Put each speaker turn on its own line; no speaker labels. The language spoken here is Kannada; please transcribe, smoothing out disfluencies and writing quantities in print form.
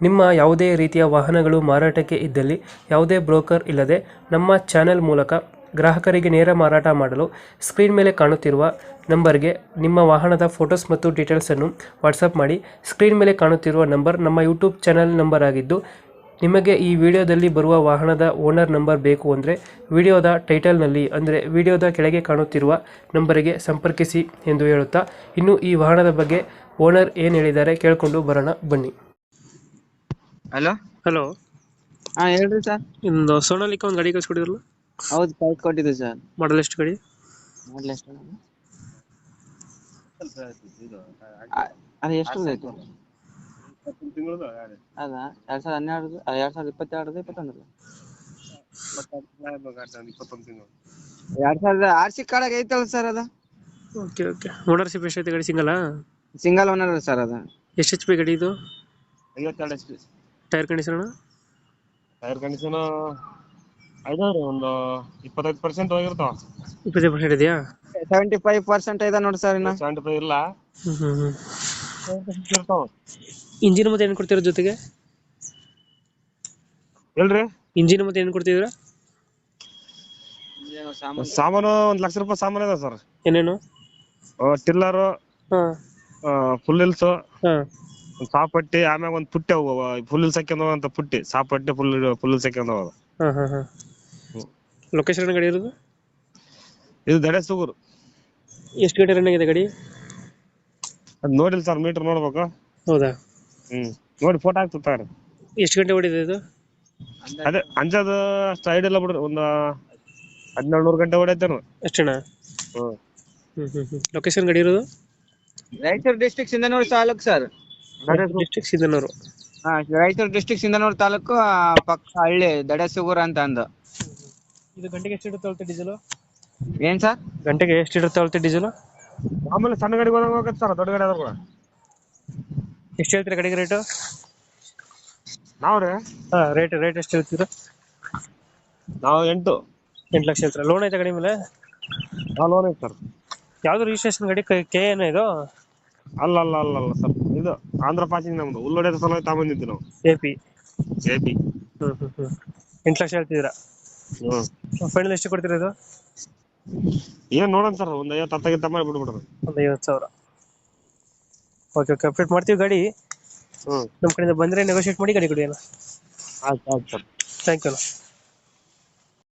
ನಿಮ್ಮ ಯಾವುದೇ ರೀತಿಯ ವಾಹನಗಳು ಮಾರಾಟಕ್ಕೆ ಇದ್ದಲ್ಲಿ ಯಾವುದೇ ಬ್ರೋಕರ್ ಇಲ್ಲದೆ ನಮ್ಮ ಚಾನೆಲ್ ಮೂಲಕ ಗ್ರಾಹಕರಿಗೆ ನೇರ ಮಾರಾಟ ಮಾಡಲು ಸ್ಕ್ರೀನ್ ಮೇಲೆ ಕಾಣುತ್ತಿರುವ ನಂಬರ್ಗೆ ನಿಮ್ಮ ವಾಹನದ ಫೋಟೋಸ್ ಮತ್ತು ಡೀಟೇಲ್ಸನ್ನು ವಾಟ್ಸಪ್ ಮಾಡಿ. ಸ್ಕ್ರೀನ್ ಮೇಲೆ ಕಾಣುತ್ತಿರುವ ನಂಬರ್ ನಮ್ಮ ಯೂಟ್ಯೂಬ್ ಚಾನೆಲ್ ನಂಬರ್ ಆಗಿದ್ದು, ನಿಮಗೆ ಈ ವಿಡಿಯೋದಲ್ಲಿ ಬರುವ ವಾಹನದ ಓನರ್ ನಂಬರ್ ಬೇಕು ಅಂದರೆ ವಿಡಿಯೋದ ಟೈಟಲ್ನಲ್ಲಿ ಅಂದರೆ ವಿಡಿಯೋದ ಕೆಳಗೆ ಕಾಣುತ್ತಿರುವ ನಂಬರಿಗೆ ಸಂಪರ್ಕಿಸಿ ಎಂದು ಹೇಳುತ್ತಾ, ಇನ್ನು ಈ ವಾಹನದ ಬಗ್ಗೆ ಓನರ್ ಏನು ಹೇಳಿದ್ದಾರೆ ಕೇಳಿಕೊಂಡು ಬರೋಣ ಬನ್ನಿ.
ಹಲೋ
ಹಲೋ,
ಹಾ ಹೇಳ್ರಿ ಸರ್.
ನಿಮ್ದು ಸೋನಾಲಿಕ ಒಂದು ಗಾಡಿ ಕಳಿಸ್ಕೊಡಿದ್ರಲ್ಲ,
ಹೌದು ಕಳ್ಸಿಕೊಟ್ಟಿದ್ದೆ ಸರ್.
ಮಾಡಲ್ ಎಷ್ಟು ಗಾಡಿ?
ಮಾಡ್ಲಿ ಎಷ್ಟು ಅದು ಎಷ್ಟು ರೇಟ್ ಅದಾ 2012 2022 21 2000 RC ಕಾರ್ಡ್ ಐತಲ್ಲ ಸರ್. ಅದ
ಓಕೆ ಓಕೆ. ಓನರ್ಶಿಪ್ ಎಷ್ಟೈತೆ ಗಾಡಿ? ಸಿಂಗಲ್ಲಾ?
Single owner sir. ಅದ
ಎಷ್ಟು ಎಚ್ ಪಿ ಗಾಡಿ ಇದು?
52 HP.
Tyre condition?
Tyre condition ಐದಾವ್ರಿ ಒಂದು 25% ಹೋಗಿರ್ತಾವ.
25% ಇದೆಯಾ?
75% ಇದೆ ನೋಡಿ ಸರ್. ಇನ್ನ
75 ಇಲ್ಲ. ಇರ್ತಾವ.
ಇಂಜಿನ್ ಮತ್ತೆ ಏನು ಕೊಡ್ತೀರ ಜೊತೆಗೆ?
ಹೇಳ್ರಿ,
ಇಂಜಿನ್ ಮತ್ತೆ ಏನು ಕೊಡ್ತಿದ್ರ?
ಸಾಮಾನು 1 ಲಕ್ಷ ರೂಪಾಯಿ ಸಾಮಾನು ಇದೆ ಸರ್.
ಏನೇನು?
ಟಿಲ್ಲರ್,
ಹಾ
ಫುಲ್ ಹಿಲ್ಸ್,
ಹಾ
ಸಾಪಟ್ಟಿ, ಆಮ್ಯಾಗ ಒಂದು ಪುಟ್ಟಿ, ಅವು ಫುಲ್ ಹಿಲ್ಸ್ ಹಾಕ್ಯಂದ ಪುಟ್ಟಿ, ಸಾಪಟ್ಟಿ ಫುಲ್ ಹಿಲ್ಸ್ ಹಾಕ್ಯಂದ.
ಹಾ ಹಾ ಹಾ. ಲೊಕೇಶನ್ ಗಾಡಿ ಇರೋದು?
ಇದು ದಡೆ ಸುಗೂರು.
ಎಷ್ಟು ಗಂಟೆ ರನ್ ಆಗಿದೆ ಗಾಡಿ?
ಅದ್ ನೋಡಿಲ್ಲ ಸರ್, ಮೀಟರ್ ನೋಡ್ಬೇಕು.
ಹೌದಾ?
ನೋಡಿ ಫೋಟೋ ಹಾಕ್ತಾರೆ.
ಎಷ್ಟು ಗಂಟೆ ಹೊಡಿದೆ ಇದು?
ಅದೇ ಅಂಜದ ಅಷ್ಟು ಐಡಿಯಾ ಇಲ್ಲ ಬಿಡ್ರಿ, ಒಂದು 1700 ಗಂಟೆ ಹೊಡೈತೇನು
ಅಷ್ಟೇನಾ? ಲೊಕೇಶನ್ ಗಾಡಿ ಇರೋದು?
Raichur district Sindhanur taluk sir.
District Sindhanur.
ಹಾ, ರಾಯಚೂರು ಡಿಸ್ಟ್ರಿಕ್ಟ್ ಸಿಂಧನೂರು ತಾಲೂಕು ಪಕ್ಕ ಹಳ್ಳಿ ದಡಸುಗೂರ್ ಅಂತ ಅಂದು.
ಇದು ಗಂಟೆಗೆ ಎಷ್ಟು ಇಡುತ್ತೆ ಅಳತೆ ಡೀಸೆಲ್?
ಏನ್ ಸರ್?
ಗಂಟೆಗೆ ಎಷ್ಟು ಇಡುತ್ತೆ ಅಳತೆ ಡೀಸೆಲ್?
ಆಮೇಲೆ ಸಣ್ಣ ಗಾಡಿ ಹೋಗತ್ತೆ ಸರ್, ದೊಡ್ಡ ಗಾಡಿ ಆದ್ರೂ ಕೂಡ.
ಎಷ್ಟು ಹೇಳ್ತೀರಾ ಗಾಡಿಗೆ ರೇಟು?
ನಾವ್ರಿ
ರೇಟ್ ಎಷ್ಟು ಹೇಳ್ತೀರಾ?
ನಾವು 8
ಲಕ್ಷ ಹೇಳ್ತೀರಾ? ಲೋನ್ ಐತೆ ಗಾಡಿ ಮೇಲೆ?
ಲೋನ್ ಐತೆ ಸರ್.
ಯಾವ್ದು ರಿಜಿಸ್ಟ್ರೇಷನ್ ಗಾಡಿ? ಕೆ ಏನೋ ಇದು?
ಅಲ್ಲ ಸರ್, ಇದು ಆಂಧ್ರ ಪಾಸಿಂಗ್. ನಮ್ದು ಉಳ್ಳೊಡೆದ ಸಲ ತಗೊಂಡಿದ್ವಿ ನಾವು.
AP. 8 ಲಕ್ಷ ಹೇಳ್ತಿದ್ದೀರಾ? ಫೈನಲ್ ಎಷ್ಟು ಕೊಡ್ತೀರಾ ಇದು?
ಏನ್ ನೋಡೋಣ ಸರ್, ಒಂದು 50 ಮಾಡಿ ಬಿಡ್ಬಿಡ್ರಿ.
ಒಂದು 50,000. ಓಕೆ ಓಕೆ, ಅಪ್ಡೇಟ್ ಮಾಡ್ತೀವಿ ಗಾಡಿ. ನಮ್ಮ ಕಡೆಯಿಂದ ಬಂದರೆ ನೆಗೋಷಿಯೇಟ್ ಮಾಡಿ ಗಾಡಿ ಕೊಡಿ ಅಣ್ಣ.
ಆಯ್ತು ಸರ್.
ಥ್ಯಾಂಕ್ ಯು ಅಣ್ಣ.